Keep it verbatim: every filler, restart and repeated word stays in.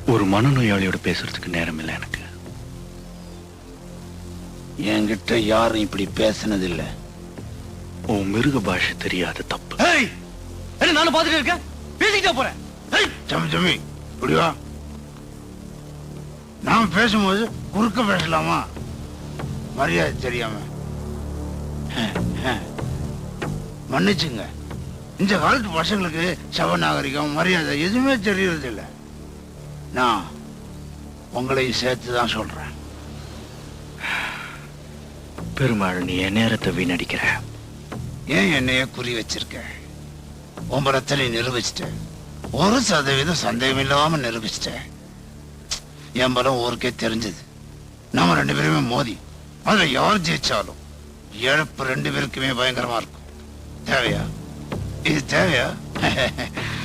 ஒரு மனநோயாளியோட பேசுறதுக்கு நேரம் இல்லை எனக்கு. என்கிட்ட யாரும் இப்படி பேசினது இல்ல. உன் மிருக பாஷை தெரியாத தப்பு. என்ன நானும் பாத்துட்டு இருக்கேன், பேசிக்கிட்டே போறேன். தம்பி தம்பி இப்படி வா. நாம் பேசும்போது குறுக்க பேசலாமா? மரியாதை தெரியாம மன்னிச்சுங்க. இந்த காலத்து பசங்களுக்கு சப நாகரிகம் மரியாதை எதுவுமே தெரியறது இல்லை. நான் உங்களையும் சேர்த்து தான் சொல்றேன். பெருமாள், நீ என் நேரத்தை வீணடிக்கிற. ஏன் என்னைய குறி வச்சிருக்க? உம்பரத்தை நிரூபிச்சிட்ட. ஒரு சதவீதம் சந்தேகம் இல்லாம நிரூபிச்சிட்ட. என் பலம் ஊருக்கே தெரிஞ்சது. நாம ரெண்டு பேருமே மோதி அதுல யார் ஜெயிச்சாலும் இழப்பு ரெண்டு பேருக்குமே பயங்கரமா இருக்கும். தேவையா? இது தேவையா?